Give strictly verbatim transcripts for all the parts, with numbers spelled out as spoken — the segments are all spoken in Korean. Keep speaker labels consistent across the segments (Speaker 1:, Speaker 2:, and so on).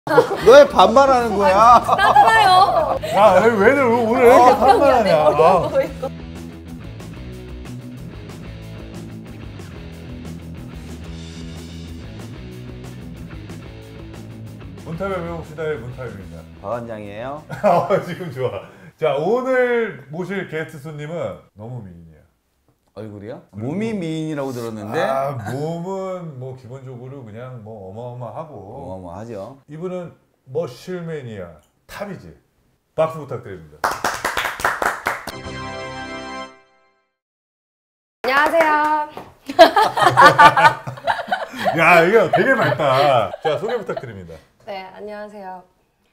Speaker 1: 너 왜 반말하는 거야?
Speaker 2: 나잖아요.
Speaker 3: 야, 왜 오늘 왜 이렇게 반말하냐? 아. 문타배 배웁시다의 문타배입니다.
Speaker 1: 박원장이에요.
Speaker 3: 아, 지금 좋아. 자, 오늘 모실 게스트 손님은 너무 미인이야.
Speaker 1: 얼굴이요? 몸이 미인이라고 들었는데.
Speaker 3: 아, 몸은 뭐 기본적으로 그냥 뭐 어마어마하고.
Speaker 1: 어마어마하죠.
Speaker 3: 이분은 머실매니아 탑이지. 박수 부탁드립니다.
Speaker 2: 안녕하세요.
Speaker 3: 야, 이거 되게 맑다. 자, 소개 부탁드립니다.
Speaker 2: 네, 안녕하세요.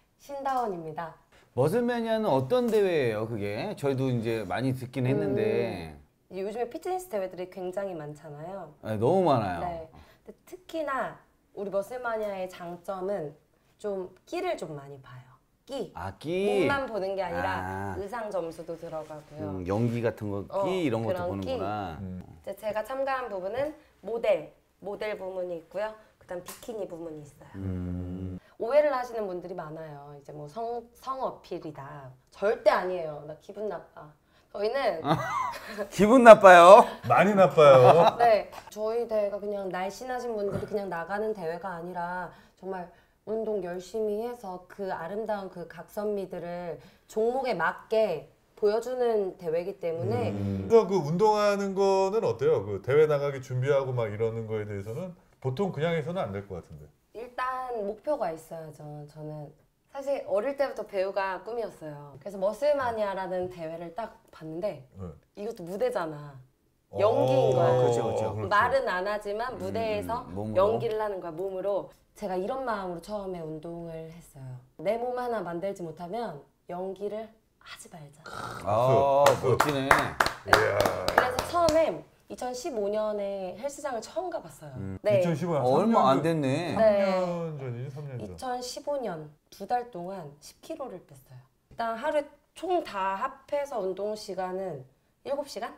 Speaker 2: 신다원입니다.
Speaker 1: 머슬매니아는 어떤 대회예요, 그게? 저희도 이제 많이 듣긴 했는데.
Speaker 2: 음, 요즘에 피트니스 대회들이 굉장히 많잖아요.
Speaker 1: 네, 너무 많아요.
Speaker 2: 네. 근데 특히나 우리 머슬마니아의 장점은 좀 끼를 좀 많이 봐요. 끼.
Speaker 1: 아, 끼.
Speaker 2: 몸만 보는 게 아니라
Speaker 1: 아.
Speaker 2: 의상 점수도 들어가고요.
Speaker 1: 음, 연기 같은 거, 끼
Speaker 2: 어,
Speaker 1: 이런 것도
Speaker 2: 그런
Speaker 1: 보는구나.
Speaker 3: 음.
Speaker 2: 이제 제가 참가한 부분은 모델, 모델 부문이 있고요. 그다음 비키니 부문이 있어요.
Speaker 1: 음.
Speaker 2: 오해를 하시는 분들이 많아요. 이제 뭐 성, 성 어필이다. 절대 아니에요. 나 기분 나빠. 저희는
Speaker 1: 기분 나빠요?
Speaker 3: 많이 나빠요.
Speaker 2: 네, 저희 대회가 그냥 날씬하신 분들이 그냥 나가는 대회가 아니라 정말 운동 열심히 해서 그 아름다운 그 각선미들을 종목에 맞게 보여주는 대회이기 때문에
Speaker 3: 음. 그래서 그 운동하는 거는 어때요? 그 대회 나가기 준비하고 막 이러는 거에 대해서는 보통 그냥 해서는 안 될 것 같은데.
Speaker 2: 일단 목표가 있어야죠. 저는 사실 어릴 때부터 배우가 꿈이었어요. 그래서 머슬마니아라는 대회를 딱 봤는데
Speaker 3: 네.
Speaker 2: 이것도 무대잖아. 연기인
Speaker 3: 어,
Speaker 2: 거야.
Speaker 1: 그렇죠, 그렇죠.
Speaker 3: 그렇죠.
Speaker 2: 말은 안 하지만 무대에서
Speaker 1: 음, 몸으로.
Speaker 2: 연기를 하는 거야, 몸으로. 제가 이런 마음으로 처음에 운동을 했어요. 내 몸 하나 만들지 못하면 연기를 하지 말자.
Speaker 1: 아, 멋지네.
Speaker 3: 이야.
Speaker 2: 그래서 처음에 이천십오 년에 헬스장을 처음 가봤어요.
Speaker 1: 음.
Speaker 2: 네.
Speaker 3: 이천십오 년
Speaker 1: 어, 얼마 안
Speaker 3: 됐
Speaker 1: 됐네.
Speaker 2: 네.
Speaker 3: 삼 년 전이지, 삼 년 전.
Speaker 2: 이천십오 년 두 달 동안 십 킬로그램를 뺐어요. 일단 하루에 총 다 합해서 운동 시간은 일곱 시간?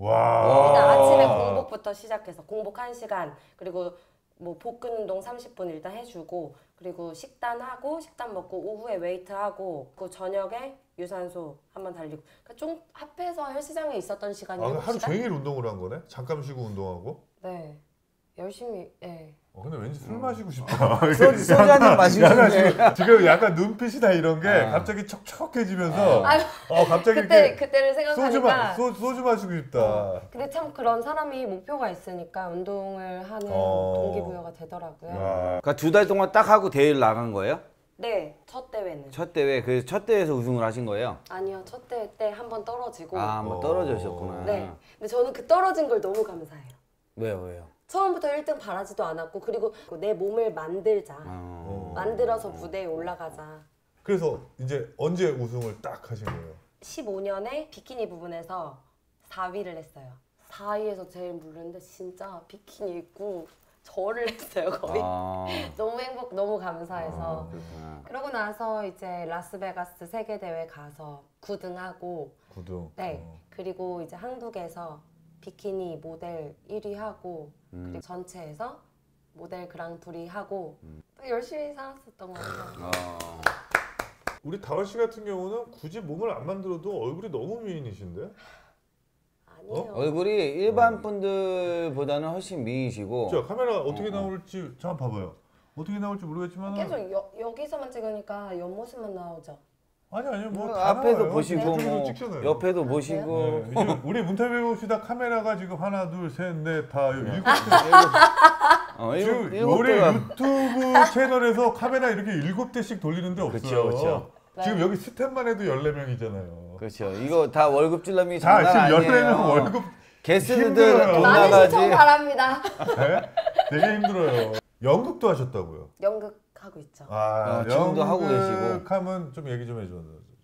Speaker 3: 와.
Speaker 2: 일단 아침에 공복부터 시작해서 공복 한 시간, 그리고 뭐 복근 운동 삼십 분 일단 해주고, 그리고 식단하고 식단 먹고 오후에 웨이트하고, 그 저녁에 유산소 한번 달리고. 그러니까 좀 합해서 헬스장에 있었던 시간이
Speaker 3: 아,
Speaker 2: 일곱 시간?
Speaker 3: 하루 종일 운동을 한 거네? 잠깐 쉬고 운동하고?
Speaker 2: 네. 열심히, 예.
Speaker 3: 어, 근데 왠지 술 마시고 싶다.
Speaker 1: 소주, 소주 한잔 마시고
Speaker 3: 약간
Speaker 1: 싶네.
Speaker 3: 지금, 지금 약간 눈빛이나 이런 게
Speaker 1: 아.
Speaker 3: 갑자기 척척해지면서
Speaker 2: 아유,
Speaker 3: 어, 갑자기
Speaker 2: 그때,
Speaker 3: 이렇게
Speaker 2: 그때를
Speaker 3: 소주, 마,
Speaker 2: 생각하니까.
Speaker 3: 소, 소주 마시고 싶다.
Speaker 2: 근데 참 그런 사람이 목표가 있으니까 운동을 하는
Speaker 3: 어.
Speaker 2: 동기부여가 되더라고요.
Speaker 3: 와.
Speaker 1: 그러니까 두 달 동안 딱 하고 대회를 나간 거예요?
Speaker 2: 네, 첫 대회는.
Speaker 1: 첫 대회, 그 첫 대회에서 우승을 하신 거예요?
Speaker 2: 아니요, 첫 대회 때 한 번 떨어지고.
Speaker 1: 아, 한번
Speaker 3: 어.
Speaker 1: 떨어지셨구나.
Speaker 2: 네. 근데 저는 그 떨어진 걸 너무 감사해요.
Speaker 1: 왜요, 왜요?
Speaker 2: 처음부터 일 등 바라지도 않았고, 그리고 내 몸을 만들자.
Speaker 1: 어.
Speaker 2: 만들어서 무대에 올라가자.
Speaker 3: 그래서 이제 언제 우승을 딱 하신 거예요?
Speaker 2: 십오 년에 비키니 부분에서 사 위를 했어요. 사 위에서 제일 부르는데 진짜 비키니 입고 절을 했어요, 거의.
Speaker 1: 아.
Speaker 2: 너무 행복, 너무 감사해서.
Speaker 1: 아, 그렇구나.
Speaker 2: 그러고 나서 이제 라스베가스 세계대회 가서 구 등하고,
Speaker 3: 구등.
Speaker 2: 네.
Speaker 3: 어.
Speaker 2: 그리고 이제 한국에서 비키니 모델 일 위 하고,
Speaker 1: 음.
Speaker 2: 그리고 전체에서 모델 그랑프리 하고, 또 열심히 살았었던 것 같아요.
Speaker 1: 어.
Speaker 3: 우리 다원 씨 같은 경우는 굳이 몸을 안 만들어도 얼굴이 너무 미인이신데?
Speaker 2: 아니에요.
Speaker 1: 얼굴이 일반 분들보다는 훨씬 미이시고.
Speaker 3: 자, 카메라 어떻게
Speaker 1: 어, 어.
Speaker 3: 나올지 잠깐 봐봐요. 어떻게 나올지 모르겠지만
Speaker 2: 계속 여, 여기서만 찍으니까 옆모습만 나오죠.
Speaker 3: 아니 아니 뭐
Speaker 1: 뭐
Speaker 3: 다
Speaker 1: 앞에도
Speaker 3: 나와요.
Speaker 1: 보시고
Speaker 3: 저쪽에도
Speaker 1: 뭐
Speaker 3: 찍잖아요.
Speaker 1: 옆에도 보시고.
Speaker 3: 네, 이제 우리 문태배 시다 카메라가 지금 하나 둘셋넷다 일곱 대.
Speaker 1: 어,
Speaker 3: 지금
Speaker 1: 일곱, 일곱
Speaker 3: 우리
Speaker 1: 대가.
Speaker 3: 유튜브 채널에서 카메라 이렇게 일곱 대씩 돌리는데 없어요.
Speaker 1: 그쵸, 그쵸.
Speaker 3: 지금 여기 스텝만 해도 열네 명이잖아요.
Speaker 1: 그렇죠. 이거 다 월급 줄라미
Speaker 3: 자,
Speaker 1: 장난
Speaker 3: 지금 열네
Speaker 1: 아니에요.
Speaker 3: 명 월급
Speaker 1: 게스트들
Speaker 3: 힘들어요.
Speaker 1: 돈
Speaker 2: 많은
Speaker 1: 나가지.
Speaker 2: 시청 바랍니다.
Speaker 3: 네? 되게 힘들어요. 연극도 하셨다고요?
Speaker 2: 연극 하고 있죠.
Speaker 3: 아,
Speaker 1: 어, 지금도 하고 계시고.
Speaker 3: 연극하면 좀 얘기 좀 해줘.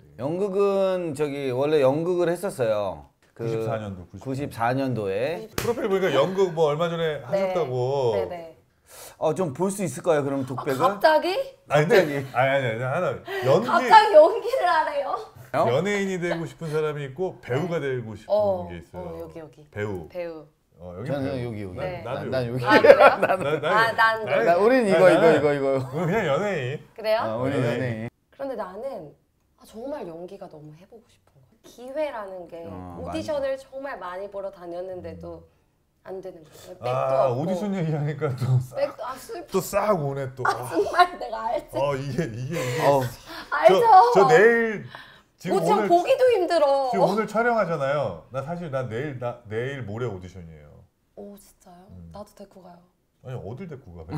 Speaker 1: 연극은 저기 원래 연극을 했었어요. 그
Speaker 3: 구십사 년도.
Speaker 1: 구십사 년도에.
Speaker 3: 프로필 보니까 연극 뭐 얼마 전에 하셨다고.
Speaker 2: 네네.
Speaker 1: 어, 좀 볼 수 있을까요? 그럼
Speaker 2: 아,
Speaker 1: 독백을?
Speaker 2: 갑자기?
Speaker 3: 아니 근데 아니 아니 아니 하나 연기
Speaker 2: 갑자기 연기를 하래요?
Speaker 1: 어?
Speaker 3: 연예인이 되고 싶은 사람이 있고 배우가 되고 싶은
Speaker 2: 어,
Speaker 3: 게 있어요.
Speaker 2: 어, 여기 여기.
Speaker 3: 배우.
Speaker 2: 배우.
Speaker 3: 어, 여기
Speaker 1: 저는
Speaker 3: 배우.
Speaker 1: 여기 여기.
Speaker 2: 네.
Speaker 3: 난, 나도
Speaker 1: 난
Speaker 3: 여기.
Speaker 1: 여기.
Speaker 2: 아 그래요?
Speaker 3: 난, 난,
Speaker 2: 아, 난
Speaker 3: 나는-
Speaker 1: 나 우린 이거
Speaker 3: 아,
Speaker 1: 이거
Speaker 3: 나는-
Speaker 1: 이거 이거.
Speaker 3: 그냥 연예인.
Speaker 2: 그래요?
Speaker 1: 어, 우리
Speaker 3: 네.
Speaker 1: 연예인.
Speaker 2: 그런데 나는 아, 정말 연기가 너무 해보고 싶은 거야. 기회라는 게
Speaker 1: 어,
Speaker 2: 오디션을 정말 많이 보러 다녔는데도 안 되는 거예요. 백도
Speaker 3: 아
Speaker 2: 없고.
Speaker 3: 오디션 얘기하니까
Speaker 2: 백도 아 슬퍼.
Speaker 3: 또 싹 오네 또. 아,
Speaker 2: 정말 내가 알지.
Speaker 3: 어 이게 이게 이게.
Speaker 1: 어,
Speaker 2: 알죠.
Speaker 3: 저, 저 내일 지금
Speaker 2: 오디션
Speaker 3: 오늘
Speaker 2: 보기도 힘들어.
Speaker 3: 지금 오늘 촬영하잖아요. 나 사실 나 내일 나 내일 모레 오디션이에요.
Speaker 2: 오 진짜요?
Speaker 3: 음.
Speaker 2: 나도 데리고 가요.
Speaker 3: 아니 어딜 데리고 가?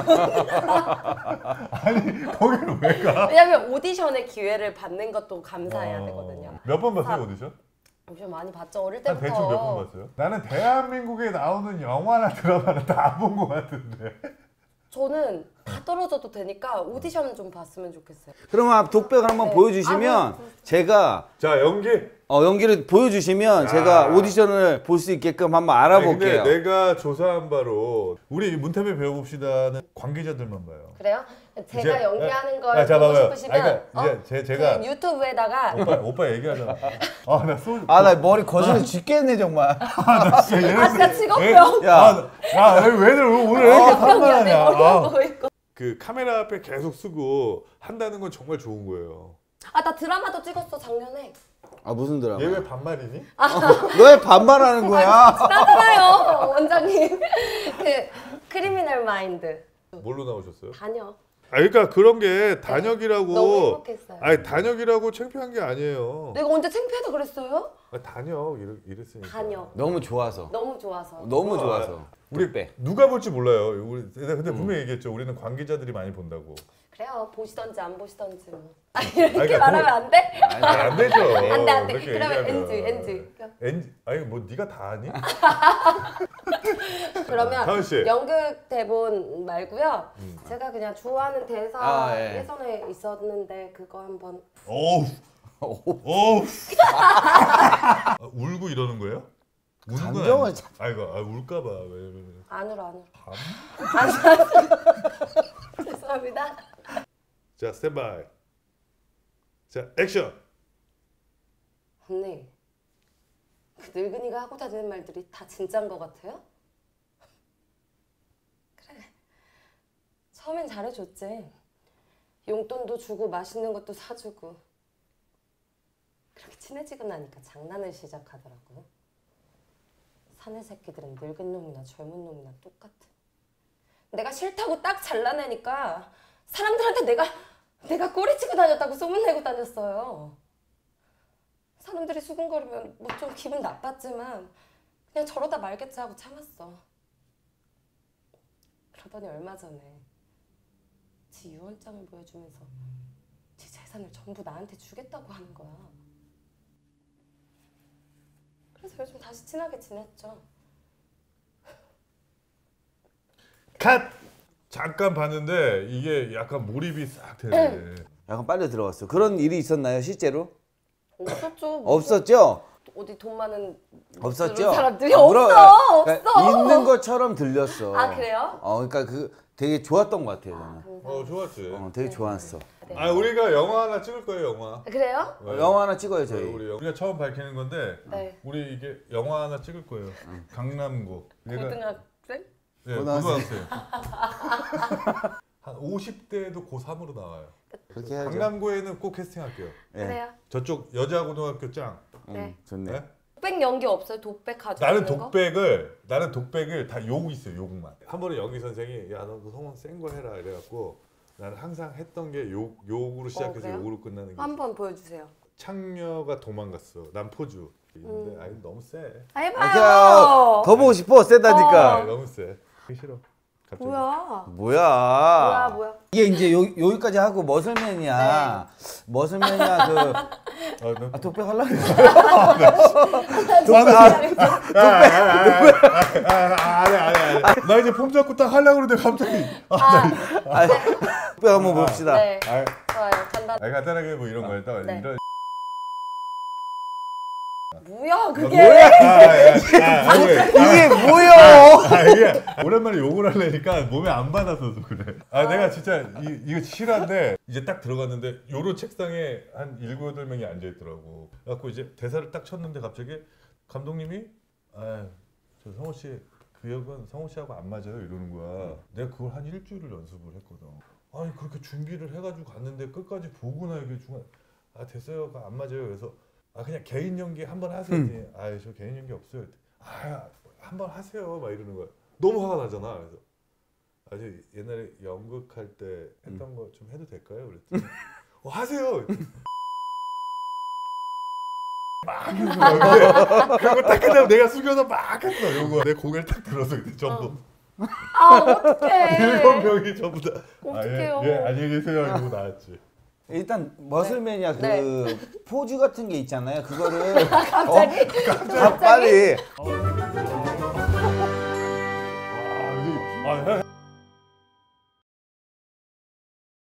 Speaker 3: 아니 거기를 왜 가?
Speaker 2: 왜냐면 오디션의 기회를 받는 것도 감사해야
Speaker 3: 어.
Speaker 2: 되거든요.
Speaker 3: 몇 번 봤어요
Speaker 2: 사-
Speaker 3: 오디션?
Speaker 2: 오디션 많이 봤죠. 어릴
Speaker 3: 한
Speaker 2: 때부터.
Speaker 3: 대충 몇 번 봤어요? 나는 대한민국에 나오는 영화나 드라마는 다 안 본 것 같은데.
Speaker 2: 저는 다 떨어져도 되니까 오디션 좀 봤으면 좋겠어요.
Speaker 1: 그러면 독백을 한번
Speaker 2: 네.
Speaker 1: 보여주시면
Speaker 2: 아, 뭐,
Speaker 1: 제가
Speaker 3: 자 연기.
Speaker 1: 어, 연기를 보여주시면
Speaker 3: 야.
Speaker 1: 제가 오디션을 볼 수 있게끔 한번 알아볼게요.
Speaker 3: 아니, 근데 내가 조사한 바로 우리 문태배 배워봅시다는 관계자들만 봐요.
Speaker 2: 그래요? 제가
Speaker 3: 이제-
Speaker 2: 연기하는
Speaker 3: 아,
Speaker 2: 걸
Speaker 3: 자,
Speaker 2: 보고
Speaker 3: 봐봐요.
Speaker 2: 싶으시면
Speaker 3: 아니, 그러니까 이제
Speaker 2: 어?
Speaker 3: 제- 제가-
Speaker 2: 그 유튜브에다가
Speaker 3: 오빠 오빠 얘기하잖아. 아나 소주.
Speaker 1: 아, 나 머리 거슬러 죽겠네 정말.
Speaker 3: 나 진짜 얘네
Speaker 2: 아 진짜 직업병.
Speaker 1: 야,
Speaker 3: 야, 왜들 오늘 왜 이렇게
Speaker 2: 직업병이야. 내
Speaker 3: 산만하냐?
Speaker 2: 머리
Speaker 3: 아,
Speaker 2: 보고 있고.
Speaker 3: 그 카메라 앞에 계속 쓰고 한다는 건 정말 좋은 거예요.
Speaker 2: 아 나 드라마도 찍었어 작년에.
Speaker 1: 아 무슨 드라마?
Speaker 3: 얘 왜 반말이니?
Speaker 1: 너 왜 반말하는 거야?
Speaker 2: 나잖아요 원장님. 그 크리미널 마인드.
Speaker 3: 뭘로 나오셨어요?
Speaker 2: 다녀.
Speaker 3: 아 그러니까 그런 게 단역이라고.
Speaker 2: 너무 행복했어요.
Speaker 3: 아니 단역이라고 창피한 게 아니에요.
Speaker 2: 내가 언제 창피하다 그랬어요?
Speaker 3: 아, 단역 이랬, 이랬으니까.
Speaker 2: 다녀.
Speaker 1: 너무 좋아서.
Speaker 2: 너무 좋아서.
Speaker 1: 너무
Speaker 3: 아,
Speaker 1: 좋아서.
Speaker 3: 우리
Speaker 1: 독백.
Speaker 3: 누가 볼지 몰라요. 우리 근데
Speaker 1: 음.
Speaker 3: 분명히 얘기했죠. 우리는 관계자들이 많이 본다고.
Speaker 2: 그래요. 보시던지 안 보시던지 뭐.
Speaker 3: 아,
Speaker 2: 이렇게
Speaker 3: 그러니까
Speaker 2: 말하면 안 돼?
Speaker 3: 아니, 안 되죠.
Speaker 2: 안 돼, 안 돼.
Speaker 3: 그렇게
Speaker 2: 그러면
Speaker 3: 얘기하면.
Speaker 2: 엔지, 엔지.
Speaker 3: 엔지. 아니 뭐 네가 다 아니?
Speaker 2: 그러면
Speaker 3: 다은 씨.
Speaker 2: 연극 대본 말고요.
Speaker 3: 음.
Speaker 2: 제가 그냥 좋아하는 대사
Speaker 1: 아, 예.
Speaker 2: 예전에 있었는데 그거 한번
Speaker 3: 어우. 어우. 아, 울고 이러는 거예요? 우는 건
Speaker 1: 감정을
Speaker 3: 아니죠? 아이고, 아, 울까봐. 왜냐면
Speaker 2: 안 울어 안 울어.
Speaker 3: 밤?
Speaker 2: 안 울어. 죄송합니다.
Speaker 3: 자, 스탠바이. 자, 액션.
Speaker 2: 언니, 그 늙은이가 하고 다니는 말들이 다 진짜인 것 같아요? 그래. 처음엔 잘해줬지. 용돈도 주고 맛있는 것도 사주고. 그렇게 친해지고 나니까 장난을 시작하더라고요. 사내 새끼들은 늙은 놈이나 젊은 놈이나 똑같아. 내가 싫다고 딱 잘라내니까 사람들한테 내가 내가 꼬리치고 다녔다고 소문내고 다녔어요. 사람들이 수근거리면 뭐 좀 기분 나빴지만 그냥 저러다 말겠지 하고 참았어. 그러더니 얼마 전에 지 유언장을 보여주면서 지 재산을 전부 나한테 주겠다고 하는 거야. 그래서 요즘 다시 친하게 지냈죠.
Speaker 3: 컷! 잠깐 봤는데 이게 약간 몰입이 싹 되네.
Speaker 1: 약간 빨리 들어갔어. 그런 일이 있었나요 실제로?
Speaker 2: 없었죠. 무슨-
Speaker 1: 없었죠?
Speaker 2: 어디 돈 많은
Speaker 1: 없었죠?
Speaker 2: 그런 사람들이
Speaker 1: 아,
Speaker 2: 없어.
Speaker 1: 물어- 그러니까
Speaker 2: 없어.
Speaker 1: 있는 것처럼 들렸어.
Speaker 2: 아 그래요?
Speaker 1: 어, 그러니까 그 되게 좋았던 것 같아요 저는.
Speaker 2: 감사합니다.
Speaker 3: 어, 좋았지.
Speaker 1: 어, 되게 좋았어.
Speaker 2: 네.
Speaker 3: 아, 우리가 영화 하나 찍을 거예요, 영화.
Speaker 2: 그래요?
Speaker 1: 어, 영화 하나 찍어요 저희.
Speaker 3: 우리 영- 우리가 처음 밝히는 건데
Speaker 2: 네.
Speaker 3: 우리 이게 영화 하나 찍을 거예요. 강남구. 얘가
Speaker 2: 고등학생?
Speaker 3: 예,
Speaker 1: 고등학생.
Speaker 3: 고등학생. 한 오십 대도 고삼으로 나와요.
Speaker 1: 그렇게 해야죠.
Speaker 3: 강남구에는 꼭 캐스팅할게요.
Speaker 1: 예.
Speaker 2: 그래요?
Speaker 3: 저쪽 여자 고등학교 짱.
Speaker 1: 음,
Speaker 2: 네.
Speaker 1: 좋네.
Speaker 3: 네?
Speaker 2: 독백 연기 없어요? 독백 가지고
Speaker 3: 나는
Speaker 2: 있는 거?
Speaker 3: 독백을 나는 독백을 다 욕 있어요, 욕만. 한 번에 연기 선생이 야 너 성원 센 거 해라 이래갖고 나는 항상 했던 게 욕 욕으로 시작해서
Speaker 2: 그래요?
Speaker 3: 욕으로 끝나는 게.
Speaker 2: 한번 보여주세요.
Speaker 3: 창녀가 도망갔어. 난 포주. 있는데
Speaker 2: 음.
Speaker 3: 아니 너무 세.
Speaker 2: 아,
Speaker 1: 아,
Speaker 2: 해봐요.
Speaker 1: 더 보고 싶어 세다니까.
Speaker 3: 아, 너무 세. 하기 싫어. 갑자기.
Speaker 2: 뭐야?
Speaker 1: 뭐야?
Speaker 2: 뭐야 뭐야?
Speaker 1: 이게 이제 요, 여기까지 하고 머슬맨이야. 머슬맨이야 그
Speaker 3: 아, 너...
Speaker 1: 아, 독백 하려고 했어.
Speaker 3: 아니 아니 아니. 나 이제 폼 잡고 딱 하려고 그러는데 갑자기.
Speaker 2: 아,
Speaker 1: 아, 독백 한번 봅시다.
Speaker 2: 네.
Speaker 3: 아,
Speaker 2: 좋아요. 간단.
Speaker 3: 아니, 간단하게 뭐 이런 거였다.
Speaker 2: 네.
Speaker 3: 이런.
Speaker 2: 뭐야 그게?
Speaker 1: 뭐야?
Speaker 3: 아, 아, 아, 아니,
Speaker 1: 이게 뭐야?
Speaker 3: 아 이게 오랜만에 욕을 하려니까 몸에 안 받아서 그래. 아 내가 진짜 이, 이거 실화인데 이제 딱 들어갔는데 요런 책상에 한 일곱 여덟 명이 앉아 있더라고. 그래갖고 이제 대사를 딱 쳤는데 갑자기 감독님이 아 저 성호 씨 그 역은 성호 씨하고 안 맞아요 이러는 거야. 내가 그걸 한 일주일을 연습을 했거든. 아니 그렇게 준비를 해가지고 갔는데 끝까지 보고나 이게 중간 아 됐어요가 안 맞아요. 그래서 아 그냥 개인 연기 한번 하세요. 음. 아저 개인 연기 없어요. 아 한번 하세요 막 이러는 거야. 너무 화가 나잖아. 그래서 아주 옛날에 연극할 때 했던 음. 거 좀 해도 될까요? 그랬더니 어, 하세요. 막 했어. 그거 딱 그냥 내가 숙여서 막 했어. 요거 내 고개를 딱 들어서 그때 전부.
Speaker 2: 어. 아 어떡해.
Speaker 3: 일곱 명이 전부 다.
Speaker 2: 어떡해요.
Speaker 3: 아, 예, 예, 안녕히 계세요. 이러고 나왔지.
Speaker 1: 일단 머슬맨이야 그
Speaker 2: 네.
Speaker 1: 포즈 같은 게 있잖아요. 그거를
Speaker 2: 갑자기?
Speaker 1: 어, 갑자기? 빨리.
Speaker 3: 어,